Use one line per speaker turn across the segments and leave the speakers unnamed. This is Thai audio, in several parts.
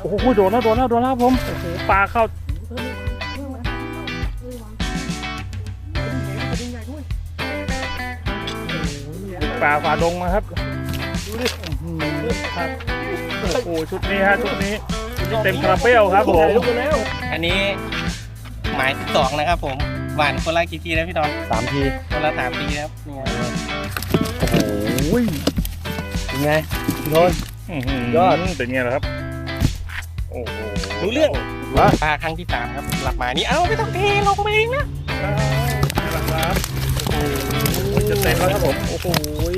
โอ้โหโดนแล้วผมโอ้โหปลาเข้าปลาฝ่าดงมาครับดูดิครับโอ้โหชุดนี้เต็มคาราเบลครับผม
อันนี้หมายที่2นะครับผมหวานคนละกี่ทีนะพี่ดอน
3 ที
คนละ3 ทีครับนี่
โอ้ยเป็นไงโดนยอด
เป็นไงล่ะครับโอ้โห
รู้เรื่องปลาครั้งที่3ครับหลับมานี่เอ้าไม่ต้องเทลงไปเองนะ
ครับโอ้โหจะเต็มแล้วครับผมโอ้โห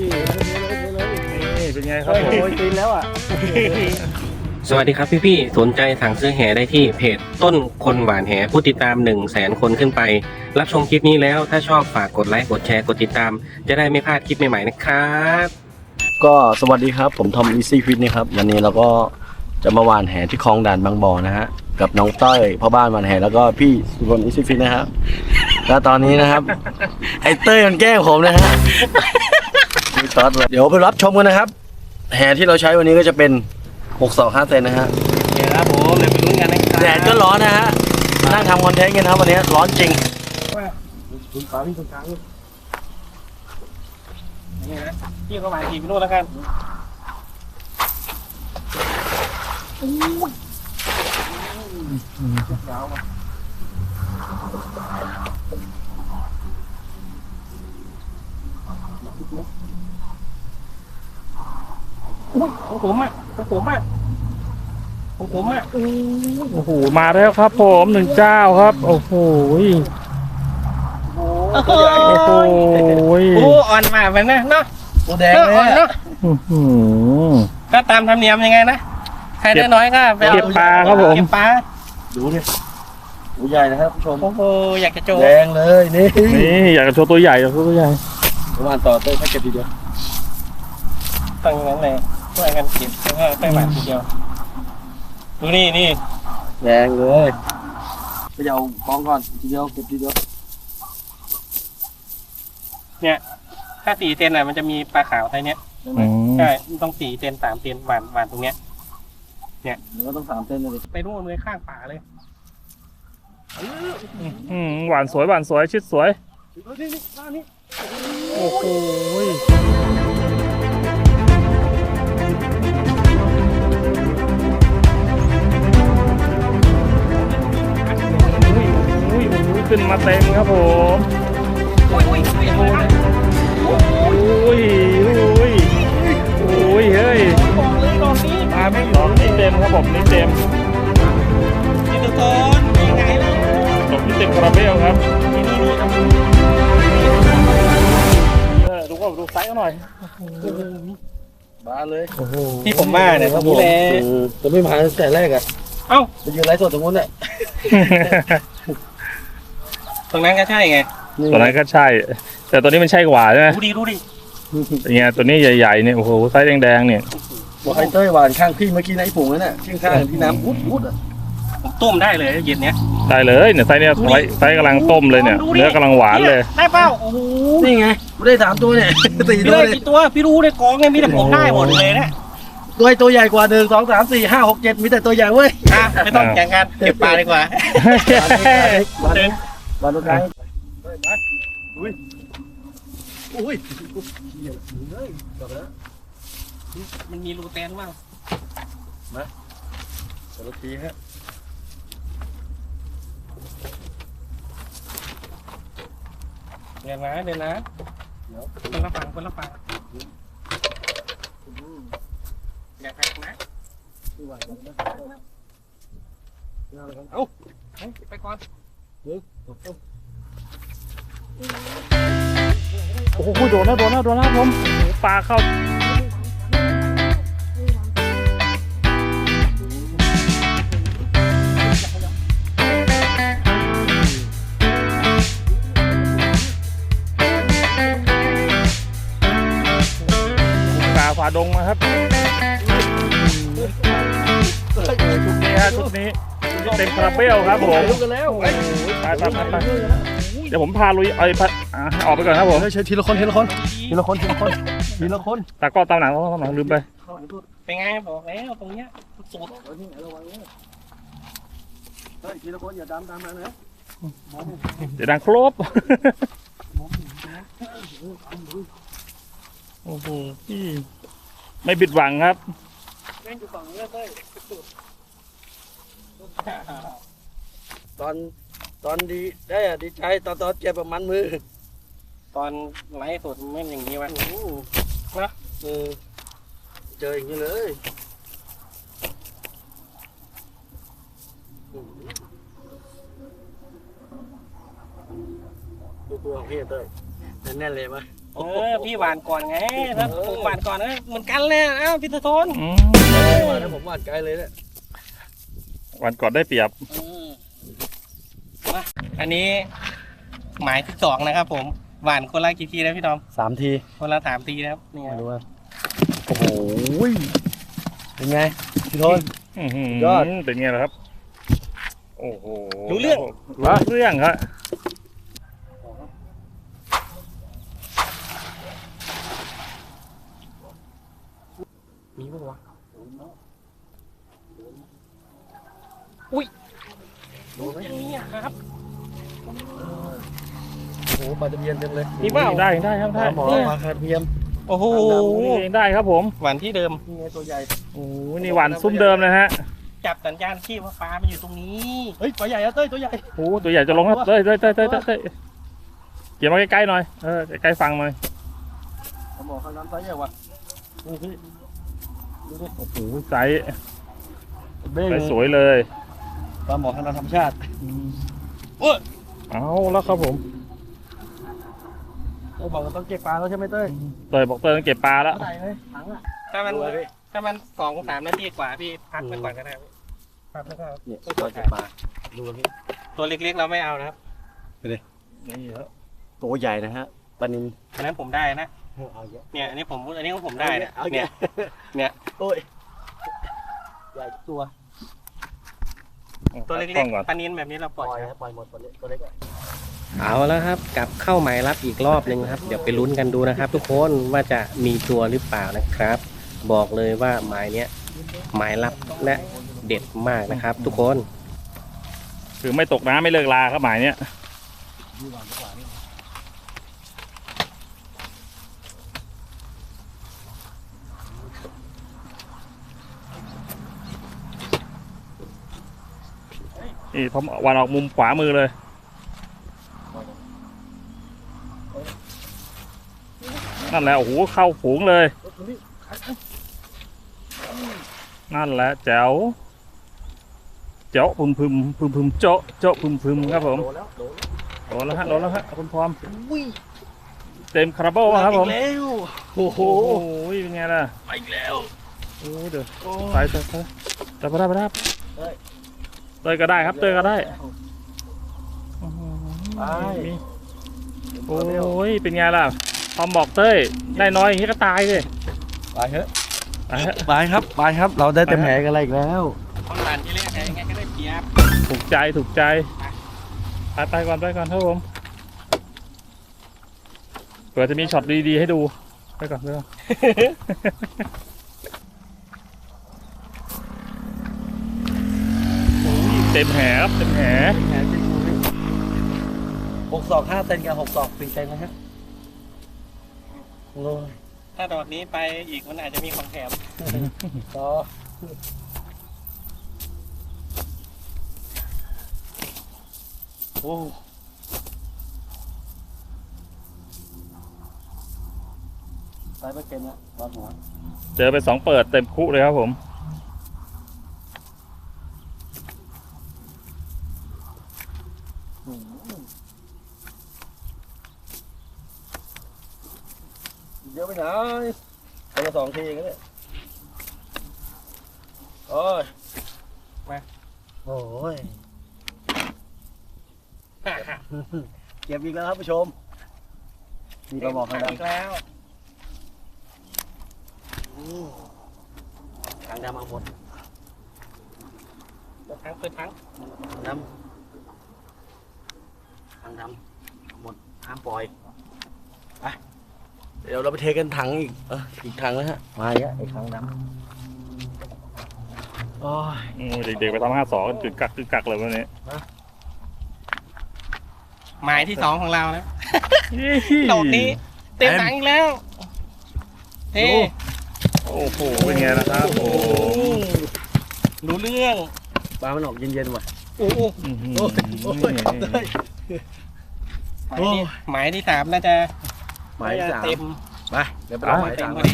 นี่เป็นไงครับผม
ตีนแล้วอ่ะ
สวัสดีครับพี่ๆสนใจสั่งซื้อแหได้ที่เพจต้นคนหวานแหผู้ติดตาม 100,000 คนขึ้นไปรับชมคลิปนี้แล้วถ้าชอบฝากกดไลค์กดแชร์กดติดตามจะได้ไม่พลาดคลิปใหม่ๆนะครับ
ก็สวัสดีครับผมทอม Easy Fit นะครับวันนี้เราก็จะมาหวานแหที่คลองด่านบางบ่อนะฮะกับน้องต้อยพ่อบ้านหวานแหแล้วก็พี่สุพล Easy Fit นะครับแล้วตอนนี้นะครับไอ้เต้ยมันแกล้งผมนะฮะเดี๋ยวไปรับชมกันนะครับแหที่เราใช้วันนี้ก็จะเป็น6-5 เซนนะฮะ
เดี๋ยวครับผมเดี๋ยวไปลุ้นกันนะครับ
แดดก็ร้อนนะฮะนั่งทำคอนเทนต์กันครับวันนี้ร้อนจริง
คุณฟ้าพี่คุณช้างนี่นะพี่เข้ามาขี่ไปโน่นแล้วกันของผมอ่ะโ
อ้โหมาแล้วครับผม1 เจ้าครับโอ้โห
โอ้อ่อนมากมันนะเนาะ
ตัวแดงเลย
เนาะก็ตามธรรมเนียมยังไงนะใครได้น้อยก็ไปเอา
เก็บปลาครับผม
เก็บปลา
ดูดิตัวใหญ่นะครับผู้ชม
โอ้โหอยากจะโจ
แดงเลยนี่
อยากจะโชว์ตัวใหญ่
ประมาณต่อเต้ยให้เก็บทีเดียว
ตั้งอย่างนั้นเลยช่วยกันเก็บแล้วก็ไปหวานทีเดียวดูนี่
แดงเลยไปเอากองก่อนทีเดียวเก็บทีเดียว
เนี่ยถ้า4 เซนมันจะมีปลาขาวไซส์เนี้ยใช่ต้อง4 เซน3 เซนหวานตรงเนี้ยเนี่ย
หรือว่าต้อง3 เซนเลย
ไปนู่นเลยข้างป่าเลย
หวานสวยชิดสวยโอ้โหขึ้นมาเต็มครับผมโอ้ยเฮ้ยมาไม่หลอกนี่เต็มครับผมนี่เต็ม
นี่ตัวต้นยังไงล่ะ
ตกที่เต็มคาราเบลครับดูไซส์เขาหน่อย
มาเลย
ที่ผมมาเนี่ยครับผม
จะไม่มาตั้งแต่แรกอ่ะ
เอ้า
ไปยืนไลฟ์สดตรงนู้นแหละ
ตรงนั้นก็ใช่ไง
ตัวนั้นก็ใช่แต่ตัวนี้มันใช่กว่าใช่ไหม
ดูดิ
เนี่ยตัวนี้ใหญ่ๆเนี่ยโอ้โหไซส์แดงๆเนี่ย
บอกไอ้เต้ยหวานข้างพี่เมื่อกี้ในผงนั่นน่ะข้างที่น้ำพุดอ่ะ
ผมต้มได้เลยเย็นเนี้ย
ได้เลยเนี่ยไซส์เนี่ยไซส์กำลังต้มเลยเนี่ยเนื้อกำลังหวานเลย
ได้เปล่าโอ้โห
นี่ไงไม่ได้3 ตัวเนี่ย4 ตัว
เลยตัวพี่รู้ในกองเนี่ยมีแต่ผมได้หมดเลยนะ
ตัวใหญ่กว่า1 2 3 4 5 6 7มีแต่ตัวใหญ่เว้ย
ไม่ต้องแข่งกันเก็บปลาดีกว่า
ปลาตัวกลาง
มันมีรูแตนบ้าง
มาสวัสดีฮะ
เดี๋ยวนะคนละฝั่งอย่าแข่งนะเอาไปก่อน
โอ้โหโดนแล้วผมปลาเข้าปลาฝ่าดงมาครับชุดนี้เต็มคาราเบลครับผมไปเดี๋ยวผมพาลุยออกไปก่อนครับผม
ใช้ทีละคนตากล้องตามหนังลืมไป
เป็นไงบอกแล้วตรงเนี้ยสุด
เฮ้ยนี่ระวังเนี่ยเฮ้ยทีละคนอย่าดำตามมานะ
เดี๋ยวดังครบโอ้โหไม่บิดหวังครับ
แม่งอยู่ฝั่งนี้เลยสุด
ตอนดีได้อะดีใจตอนเจ็บประมันมือ
ตอนไลฟ์สดแม่งอย่างนี้วะ
นะเจออย่างนี้เลยดูตัวของพี่เต้ยแน่นๆเลยมั้ย
พี่หวานก่อนไงถ้าผมหวานก่อนเหมือนกันเลยอ้าวพี่ตะทน
มาแล้วผมวาดไกลเลยเนี่ย
วันก่อนได้เปรียบ
อันนี้หมายที่2นะครับผมหวานคนละกี่ทีนะพี่ทอม
3 ที
คนละ3 ทีนะครับนี่
ดูว่าโอ้โหเป็นไงพี่โทน ยอด
เป็นไงล่ะครับ โอ้โห
รู้เรื่อง
รู้เรื่องครับ
มีปะวะ
ดูไหม
นี่ครับ
โอ้โหปลาตะเพียนเต็มเลย
มีเปล่า
ได้ได้ครับ
ป
ได้
ลาหมอปลาตะเพียน
โอ้โห
นี่เองได้ครับผม
หวานที่เดิม
นี่ไงตัวใหญ่
โอ้โหนี่หวานซุ้มเดิมนะฮะ
จับสัญญาณชีพว่าปลามันอยู่ตรงนี้
เฮ้ยตัวใหญ่อะเต้ยตัวใหญ่
โอ้โหตัวใหญ่จะลงครับเต้ยเเกี่ยวมาใกล้ๆหน่อยใกล้ๆฟังหน่อย
ปลาหมอข้างน้ำไซส์ใหญ่ว่ะดูสิดูดิ
โอ้โหไซส์
เบ้ง
ไซส์สวยเลย
ปลาหมอข้างน้ำธรรมชาติ
เอาแล้วครับผม
เราบอกว่าต้องเก็บปลาแล้วใช่ไหมเต้ย
เต้ยบอกเต้ยต้องเก็บปลาแล้ว
เท่าไหร่เลยถังอะ
ถ้ามัน
ดูเลยพี่
ถ้ามัน2-3 นาทีกว่าพี่พักไปก่อนก็ได้พี่พักไปก่อน
เนี่ยเราเก็บปลาดูเลยพี่
ตัวเล็กๆเราไม่เอานะครับ
นี่ครับ
ตัวใหญ่นะฮะปลานิน
อันนั้นผมได้นะ
เอาเยอะ
เนี่ยอันนี้ของผมได้เนี่ย
เอา
เนี่
เย
ย
อะโอ้ยใหญ่ตัว
ตัวเล็ก
ๆก่อน
ๆปลานินแบบนี้เราป
ป
ล่
ล่
อ
อย ย
ครับ
ปล่อยหมดตัวเล็กอะ
เอาแล้วครับกลับเข้าหมายรับอีกรอบหนึ่งครับ เดี๋ยวไปลุ้นกันดูนะครับ ทุกคนว่าจะมีตัวหรือเปล่านะครับ บอกเลยว่าหมายเนี้ยหมายรับและเด็ดมากนะครับ ทุกคน
คือไม่ตกน้ำไม่เลิกลาครับหมายเนี้ยนี่ผมวันออกมุมขวามือเลย นั่นแหละโอ้โหเข้าฝูงเลย นั่นแหละแจ๋วเจาะพึมเจาะพึมครับผม
โดนแล้ว
โดนแล้วฮะคุณพร้อมเต็มคาราเบลครับผม
แล้วโอ้โห
โอ้โหเป็นไงล่ะ
ไปอีกแล้ว
โอ้เดี๋ยวไปเตยก็ได้ครับเตยก็ได้
ไป
โอ้ยเป็นไงล่ะพอมบอกเต้ยได้น้อยอย่างนี้ก็ตายเลย
ไปเถอะ
ไปฮะ
ไปครับไปครับ เราได้เต็มแผงกันอะไรอีกแล้ว
คนหวานที่เล่นยังไงก็ได้เปรียบ
ถูกใจไปก่อนครับผมเผื่อจะมีช็อตดีๆให้ดูไปก่อนโอ้ยเต็มแหครับเต็มแห
แผงจริง6 ศอก 5 เซนกับ6 ศอก 4 เซนนะฮะโอ้ย
ถ้าดอกนี้ไปอีกมันอาจจะมีของแถม
ต่อโอ้ไปไม่เก็นนะตอนหัว
เจอไป2เปิดเต็มคุเลยครับผม
เยอะไปไหนคนละ2 ทีกันเลยโอ้ย
มา
โอ้ยเก็บอีกแล้วครับผู้ชมมีกระบอกข้างด
อีกแล้ว
ำข้างดำเอาหมด
เปิดทั้ง
ดำข้างดำหมดห้ามปล่อยไปเดี๋ยวเราไปเทกันถังอีกอีกถังนะฮะมาอีกแล้วไอ้ถังดำโอ้ย
โอ้ยเด็กๆไปทำ52กันกึกกักเลยวันนี้
หมายที่2ของเรานะโดดนี้เต็มถังอีกแล้วเฮ้
โอ้โหเป็นไงนะครับโอ้โห
รู้เรื่อง
ปลามันออกเย็นๆว่ะ
โอ้โห
อื้อหือ
โอ้ยโอ้ย
หมายที่3น่าจะ
หมายสาม
เต็ม
ไปเดี๋ยวไปเอาหมาย
เต็ม
สาม
พอดี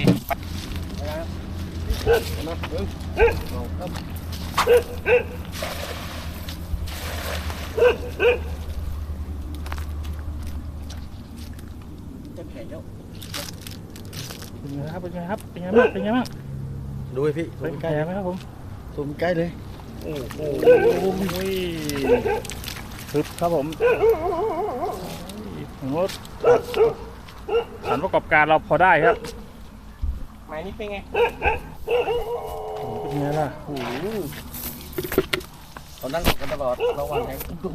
จะแข็งแล้ว
เป็นไงครับเป็นไงครับเป็นไงบ้างเป็นไงบ้าง
ดูให้พี่
เป็นไงไหมครับผม
ซูมใกล้เลย
โอ้โหทึบครับผมผมว่าสารประกอบการเราพอได้ครับ
หมายนี้เป็นไง
เป็นไงล่ะโอ้โห
ตอนนั่งกันตลอดระวังแข็งตุ้ม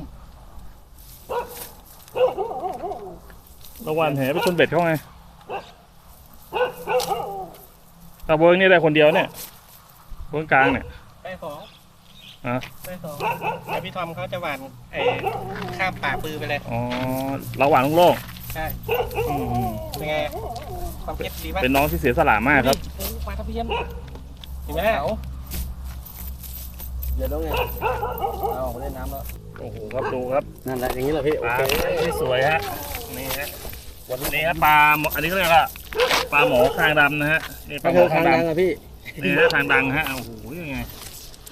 ระหว่างแหไปชนเบ็ดเขาไงตะเบิงนี่ได้คนเดียวเนี่ยเบิงกลางเนี่ย
ได้สอง
อ่ะ
ได้สองแต่พี่ทอมเขาจะหวานข้ามป่าปือไปเลย
อ๋อระหว่างโล่ง
ใช่
ๆอืม
เป็นไงความเก็บดีป่ะ
เป็นน้องที่เสียสละมากครับ
โอ้ปลาตะเพียนเห็นไหม
เดี๋ยวต้องไงเอาออกมาเล่นน้ำแล้ว
โอ้โหครับดูครับ
นั่นแหละอย่างนี้แหละพี่
ป
โอ
ลา
เค
ที่สวยฮะนี่ฮะนี่ฮะปลาอันนี้ก็เรียกว่าปลาหมอคางดำนะฮะนี่ป
ก็
ลาหม
คือ อ
คา
คาง ง
ด
ดังอะพี่
ำนี่ฮะคางดังฮะโอ้โหยังไง
ไป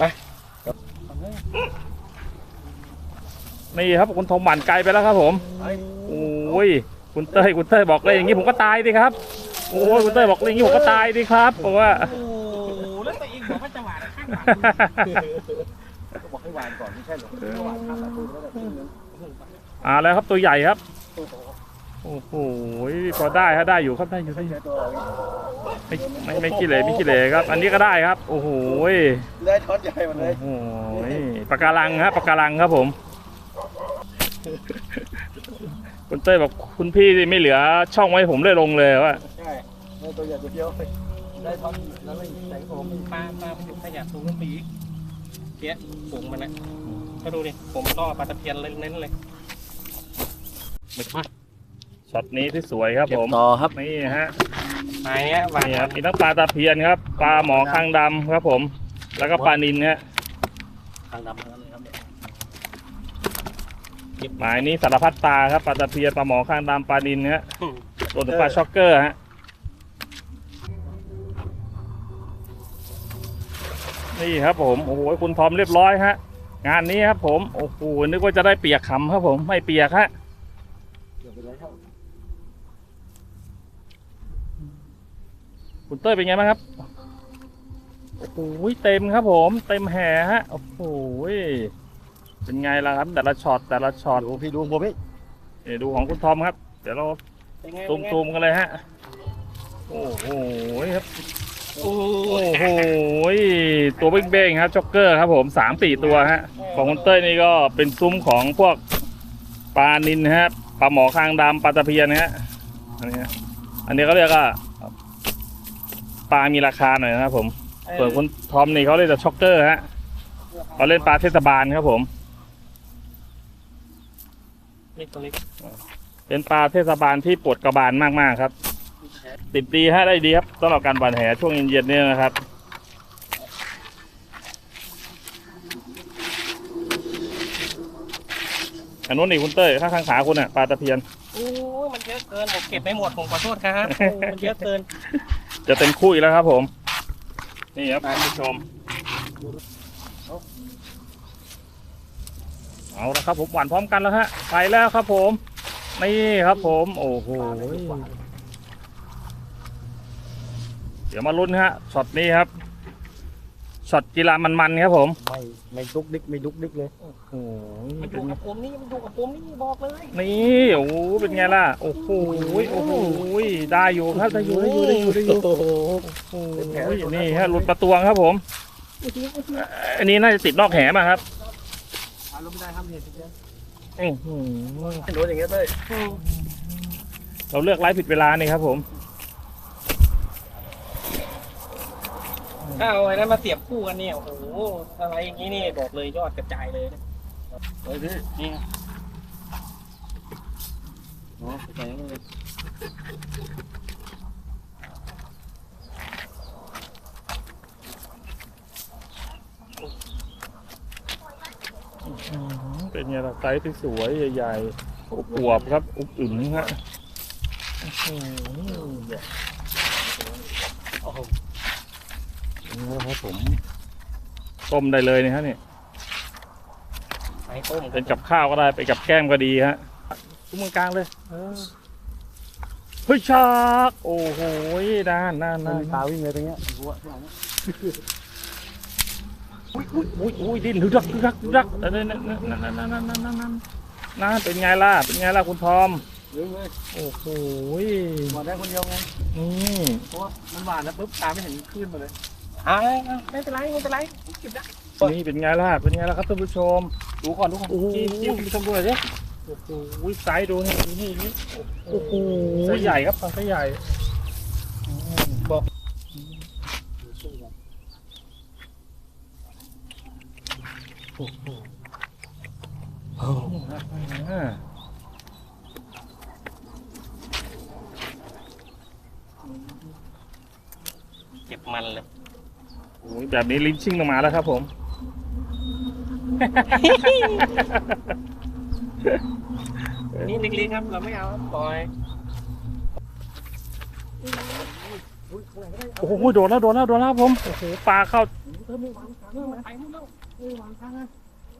นี่ครับคุณทอมหมันไกลไปแล้วครับผม โอ้ยคุณเต้ยบอกเลยอย่างนี้ผมก็ตายดิครับโอ้ยคุณเต้ยบอกเลยอย่างนี้ผมก็ตายดิครับบอกว่า
โอ้แล้วตัวเองบอกว่าจะหวานข้างหลัง
ก็บอกให้วานก่อนไม่ใช่หรอให้วานข้ามประตูแล้วแบบนี้
แล้วครับตัวใหญ่ครับโอ้โหพอได้ฮะได้อยู่ครับได้อยู่
ตัว
ไม่ขี้เหร่ไม่ขี้เหร่ครับ อันนี้ก็ได้ครับ โอ้โห
ได้ช้อนใหญ่มาเลย
โอ้โหปากการังฮะปากการังครับผมคุณเต้ยบอกคุณพี่ไม่เหลือช่องไว้ผมเลยลงเลยว่า
ใช่ได้ตัวใหญ่ตัวเดียวได้ช้อนแล้วไม่ใส่ผม
ปลามันอยู่ขยะสูงขึ้นไปอีกเพี้ยสูงมันนะก็ดูดิผมล่อปลาตะเพียนเน้นๆเลย
ช็อตนี้ที่สวยครับ
เก็บ
ผม
ต่อครับ
นี่ฮะ
หมายเนี้ยหวาน
นี่ครับมีทั้งปลาตะเพียนครับปลาหมอคางดำครับผม แล้วก็ปลานิลฮะ
ทางดำทั้งนั้นเลยครับเนี่ย
หมายนี้สารพัดปลาครับปลาตะเพียนปลาหมอคางดำปลานิลฮะรวมถึงปลาช็อกเกอร์ฮะนี่ครับผมโอ้โหคุณทอมเรียบร้อยฮะงานนี้ครับผมโอ้โหนึกว่าจะได้เปียกขำครับผมไม่เปียกฮะ
เดี๋ยวไปเลยครับ
คุณเต้ยเป็นไงบ้างครับโอ้โหเต็มครับผมเต็มแห่ฮะโอ้โหเป็นไงล่ะครับแต่ละช็อต
ดูพี่ดูผมพี่
นี่ดูของคุณทอมครับเดี๋ยวเรา
เป็นไง
ซูมกันเลยฮะโอ้โหครับ
โอ้
โอ้โหตัวเบ้งๆครับจ็อกเกอร์ครับผม3-4ตัวฮะของคุณเต้ยนี่ก็เป็นซุ้มของพวกปลานิลฮะปลาหมอคางดำปลาตะเพียนฮะอันนี้ก็เรียกว่าปลามีราคาหน่อยนะครับผมส่วนคุณทอมนี่เขาเรียกจะช็อกเกอร์ฮะเขาเล่นปลาเทศบาลครับผม
นี่ตัวเล็ก
เป็นปลาเทศบาลที่ปวดกระบาลมากๆครับติดดีฮะได้ดีครับสำหรับการหว่านแหช่วงเย็นๆเนี่ยนะครับอันนู้นนี่คุณเต้ยข้างขาคุณอ่ะปลาตะเพียน
โอ้ยมันเยอะเกินผมเก็บไม่หมดผมขอโทษครับโอ้มันเยอะเกิน
จะเต็มคู่อีกแล้วครับผมนี่ครับคุณผู้ชมเอาละครับผมหว่านพร้อมกันแล้วฮะไปแล้วครับผมนี่ครับผมโอ้โหเดี๋ยวมาลุ้นฮะช็อตนี้ครับช็อตกีฬามันๆครับผม
ไม่ดุกดิกไม่ดุกดิกเลย
โอ้โห
มันอ
เป็
ยู่
นไง
กับผมนี่มันอยู่กับผมนี่บอกเลย
นี่โอ้โหเป็นไงล่ะโอ้โหโอ้โหได้อยู่ครับได้อยู่
โอ้โห
โอ้โหนี่ฮะหลุดประตวงครับผมอันนี้น่าจะติดนอกแหมาครับ
ลงไม่ได้ห้ามเห็นเฉย
อื้อหือ
โดนอย่างเงี้ยเต้ย
เราเลือกไลฟ์ผิดเวลานี่ครับผม
ถ้าเอาไอ้นั้นมาเสียบคู่กันเนี่ยโอ้โหอะไรอย่างนี้นี่บอกเลยยอดกระจายเลยนะ
เฮ้ยพี่
นี่
โอ้ใส่เลย
เป็นไงล่ะไซส์ที่สวยใหญ่ๆอวบๆครับอุบอุ่นฮะโอ้โหนี่ครับผมต้มได้เลยนะฮะเนี่ย
ไอ้ต้ม
เป็นกับข้าวก็ได้เป็นกับแก้มก็ดีฮะทุกมือกลางเลยเฮ้ยชากโอ้โหด้าน
มีปลาวิ่งเลยตรงเนี้ยหัวข้างหลัง
อุ้ยดิ้นดึกดักนั่นเป็นไงล่ะคุณทอม
เฮ้ย
โอ้โห
หวานได้คนเดียวไง
นี่
เพราะว่ามันหวานแล้วปุ๊บตาไม่เห็นขึ้นมาเลย
ไม่เป็นไรเก็บได้
นี่เป็นไงล่ะครับท่านผู้ชมดูก่อนโอ้โหคุณผู้ชมดูหน่อยดิโอ้โหไซส์ดูนี่โอ้โหไซส์ใหญ่ครับไซส์ใหญ่บอกโอ้โห
เก็บมันเลย
โอ้ยแบบนี้ลิ้นชิ่งลงมาแล้วครับผม
นี่เล็กๆครับเราไม่เอาปล่อย
โอ้โหโดนแล้วครับผมโอ้โหปลาเข้า
ไปนู่นแล้ววางข้างนะ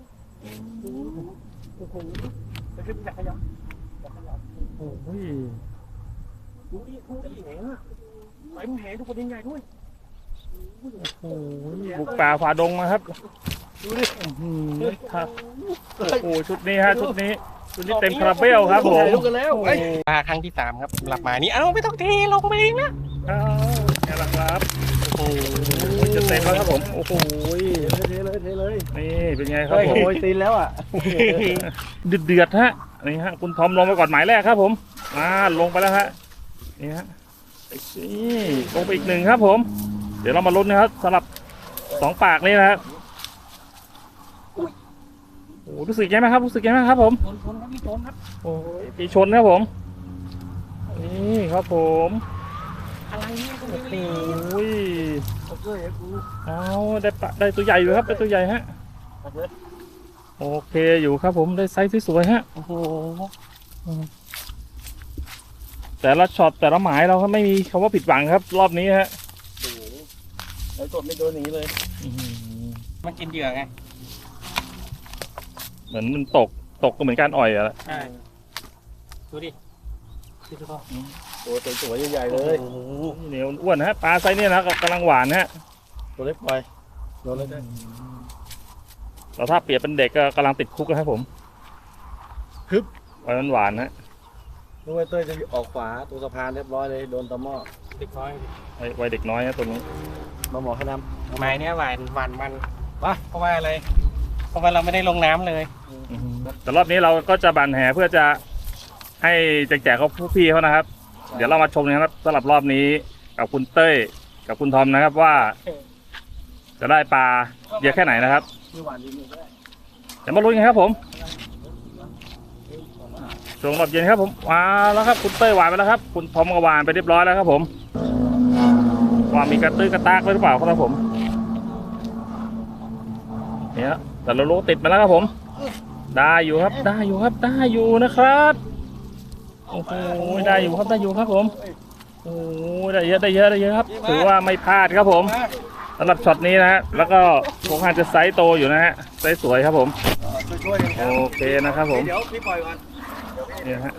โอ้โหจะขึ้นอยากขยับ
โอ้ย
ดูดิแหงอ่ะไปมึงแหงทุกคนยังใหญ่ด้วย
โอ้ยบุกป่าฝ่าดงมาครับดูดิครับโอ้โหชุดนี้เต็มคาราเบลครับผม
ลูกกันแล้ว
ปลาครั้งที่3ครับหลับมานี่เอ้าไม่ต้องเทลงไปเองนะ
อ้าวแค่ละครับโอ้โหจะเต็มแล้วครับผมโอ้โห
เทเลย
นี่เป็นไงครับผม
โอ้ยตีนแล้วอ่ะ
เดือดฮะนี่ฮะคุณทอมลงไปก่อนหมายแรกครับผมลงไปแล้วฮะนี่ฮะนี่ลงไปอีก1ครับผมเดี๋ยวเรามาลุ้นนะครับสำหรับ2ปากนี้นะครับโอ้รู้สึกยังไงครับผม
ชนครับพี่ชนครับ
โอ้ยปีชนครับผมนี่ครับผม
อะไรเนี่ยก็
โอ้
ไม่
โห
รู้
เอาได้ตัวใหญ่อยู่ครับได้ตัวใหญ่ฮะโอเคอยู่ครับผมได้ไซส์ที่สวยฮะโอ้โหแต่ละช็อตแต่ละหมายเราก็ไม่มีคำว่าผิดหวังครับ รอบนี้ฮะ
แล้วกดไม่โดนอย่างนี้เลย
มันกินเหยื่อไง
เหมือนมันตกก็เหมือนการอ่อยอะ
ใช่ดูดิ
ตัวสวยใหญ่ๆเลย
เหนียวอ้วนฮะปลาไซส์นี้นะกำลังหวานฮะ
ตัวเล็กปล่อยโดนเลยได้
แต่ถ้าเปรียบเป็นเด็กก็กำลังติดคุกนะครับผมไว้มันหวานฮะ
นึกว่าเต้ยจะออกขวาตัวสะพานเรียบร้อยเลยโดนตะหม้อ
เด็กน้อย
ไว้เด็กน้อยนะตัวนี้
มาหมอขน
ไม้เนี้ยหวานมันวะเพราะว่าอะไรเพราะว่าเราไม่ได้ลงน้ำเลย
แต่รอบนี้เราก็จะบันแห่เพื่อจะให้แจกเขาผู้พี่เขานะครับ เดี๋ยวเรามาชมนะครับสำหรับรอบนี้กับคุณเต้ยกับคุณทอมนะครับว่า จะได้ปลาเยอะแค่ไหนนะครับ
ำมีหวานดีนี่ก็ได้
เดี๋ยวมาลุ้นกันครับผมช่วงรอบเย็นครับผมว้าวแล้วครับคุณเต้ยหวานไปแล้วครับคุณทอมก็หวานไปเรียบร้อยแล้วครับผมว่ามีกระตื้อกระตากไว้หรือเปล่าครับผมเนี่ยแต่เรารู้ติดมาแล้วครับผมได้อยู่ครับได้อยู่นะครับโอ้โหได้อยู่ครับผมโอ้ได้เยอะครับถือว่าไม่พลาดครับผมสำหรับช็อตนี้นะฮะแล้วก็คงอาจจะไซส์โตอยู่นะฮะไซส์สวยครับผม
ช่วยกันครับ
โอเคนะครับผม
เดี๋ยวพี่ปล่อยก่อน
เนี่ยฮะ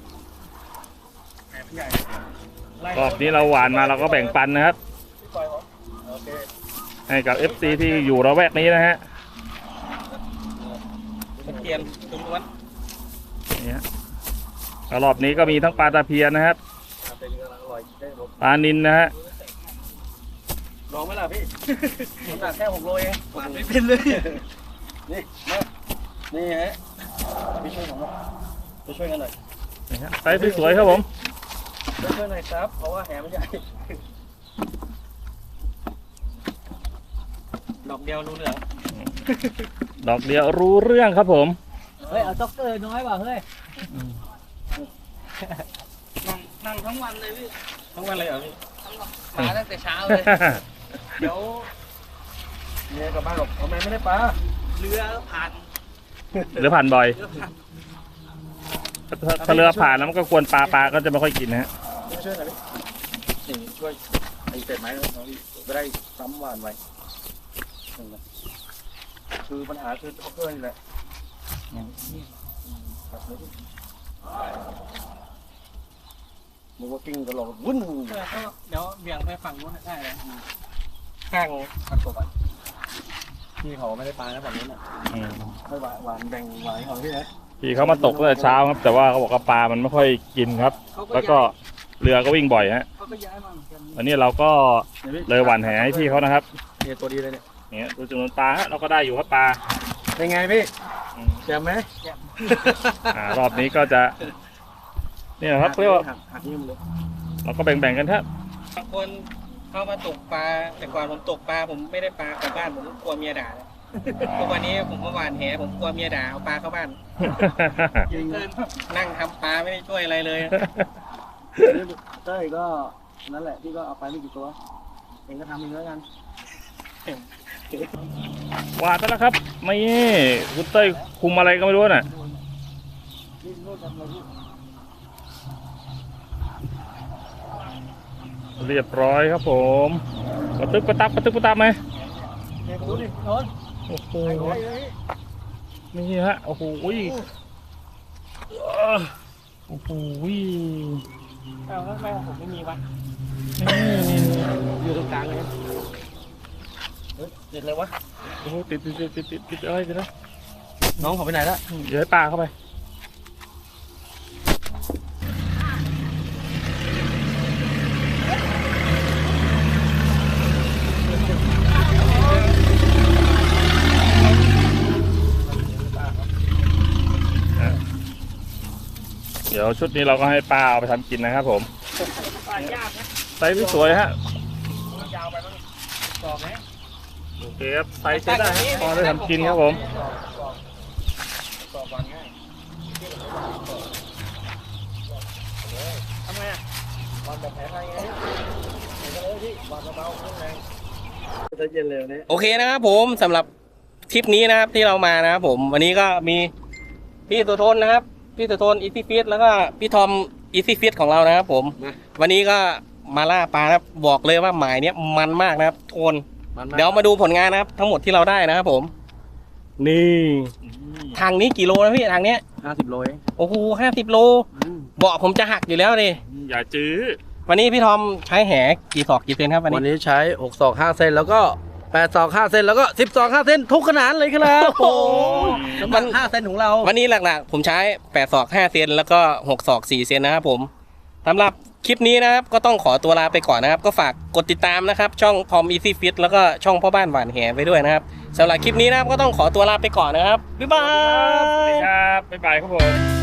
รอบนี้เราหวานมาเราก็แบ่งปันนะครับ
พี่ปล่อยก่อนโอเค
ให้กับ FC ที่อยู่ระแวกนี้นะฮะ
ตะเกียนตุ้มล้วน
เนี่ยก็รอบนี้ก็มีทั้งปลาตะเพียนนะครับ
เป็นกำลังอร่อยได้หมด
ปลานิลนะฮะ
ลองไหมล่ะพี่ผมตัดแค่6 โลเองหวานไม่เป็นเลยนี่มานี่ฮะพี่ช่วยผมไปช่วยกันหน่อย
นี่ฮะไซส์สวยๆครับผม
ช่วยหน่อยครับเพราะว่าแหมันใหญ่
อกเดียวรู้เรื่อง
ดอกเดียวรู้เรื่องครับผม
เฮ้ย เอาจ็อกเกอร์น้อยว่ะเฮ้ย
นั่งทั้งวันเลยพี่ทั้งวันเลยเหรอพี่
มาตั้งแต่เช้าเลย
เดี๋ยว
เนี่ยกลับบ้านหรอกทำไมไม่ได้ปลา
เรือผ่าน
หรือผ่านบ่อย ถ้าเรือผ่านแล้วมันก็ควรปลาก็จะไม่ค่อยกินนะฮะ
ช่วยหน่อยพี่นี่ช่วยไอ้เศษไม้น้องพี่จะได้ซ้ำหวานไว้คือปัญหาคือท็อกเกอร์นี่แหละมันก็กิ้งตลอดวุ่น
เดี๋ยวเบี่ยงไปฝั่งนู้นได้เลยข้างผักตบอ่ะ
พี่เขาไม่ได้ปลานะแบบนี้น่ะให้หวานแบ่งหวานของพี่นะ
พี่เขามาตกตั้งแต่เช้าครับ แต่ว่าเขาบอกว่าปลามันไม่ค่อยกินครับ แล้วก็เรือก็วิ่งบ่อยฮะ
เขาก็ย้ายมาเหมือนกัน
วันนี้เราก็เลยหว่านแหให้พี่เขานะครับ
เนี่ยตัวดีเลยเนี่ย
เนี่ยดูจำนวนปลาฮะเราก็ได้อยู่ครับปลา
เป็นไงพี่แจ่มไหม
รอบนี้ก็จะเนี่ยครับเรียกว่า
หักนิ้วเลย
เราก็แบ่งๆกันครับ
บางคนเข้ามาตกปลาแต่ก่อนผมตกปลาผมไม่ได้ปลากลับบ้านผมกลัวเมียด่าเลยทุกวันนี้ผมมาหวานแหผมกลัวเมียด่าเอาปลาเข้าบ้านนั่งทำปลาไม่ได้ช่วยอะไรเลย
เต้ยก็นั่นแหละพี่ก็เอาไปไม่กี่ตัวเองก็ทำเองแล้วกัน
หวานไปแล้วครับไม่คุณเต้ยคุมอะไรก็ไม่รู้น่ะเรียบร้อยครับผมกระตึบกระตับกระตึบกระตับไหม
เนี่ยดูดิโนน
โอ้โหนี่ฮะโอ้โหโอ้โห
เอาแล้วทำไมผมไม่มีวะ
นี่
อยู่ตรงกลางเลยติดเลยวะ
โอ้โหติดอะไรกันนะ
น้องเขาไปไหนละ
เดี๋ยวให้ปลาเข้าไปเดี๋ยวชุดนี้เราก็ให้ป้าเอาไปทำกินนะครับผมไซส์ที่สวยฮะ
ยาวไปมั้งตอกไหม
โอเคครับไซส์ใช้ได้ฮะพอได้ทำกินครับผม
ตอกก่อนง่ายทำไงอ่ะ
วันแบบแผลไทยไงเห็นกันเลยพี่วันเบาๆข้างในจะเย็นเร็วนี้
โอเคนะครับผมสำหรับทริปนี้นะครับที่เรามานะครับผมวันนี้ก็มีพี่ตัวทนนะครับพี่ตัวทนอีซี่ฟิตแล้วก็พี่ทอมอีซี่ฟิตของเรานะครับผมวันนี้ก็มาล่าปลานะครับบอกเลยว่าหมายเนี้ยมันมากนะครับโทนเดี๋ยวมาดูผลงานนะครับทั้งหมดที่เราได้นะครับผมนี่ทางนี้กี่โลนะพี่ทางเนี้ย
50 โลเอง
โอ้โห50 โลเบาะผมจะหักอยู่แล้วดิ
อย่าจื้อ
วันนี้พี่ทอมใช้แหกี่ศอกกี่เซนครับวัน
วัน
นี้
นี้ใช้6ศอก5เซนแล้วก็8ศอก5เซนแล้วก็10ศอก5เซนทุกขนาดเลยครับโอ้มัน5เซนของเรา
วันนี้หลักๆผมใช้8ศอก5เซนแล้วก็6ศอก4เซนนะครับผมสำหรับคลิปนี้นะครับก็ต้องขอตัวลาไปก่อนนะครับก็ฝากกดติดตามนะครับช่องทอมอีซี่ฟิตแล้วก็ช่องพ่อบ้านหวานแหไปด้วยนะครับสำหรับคลิปนี้นะครับก็ต้องขอตัวลาไปก่อนนะครับบ๊ายบา
สวัสดี
ย
ครับบ๊ายบายครับผม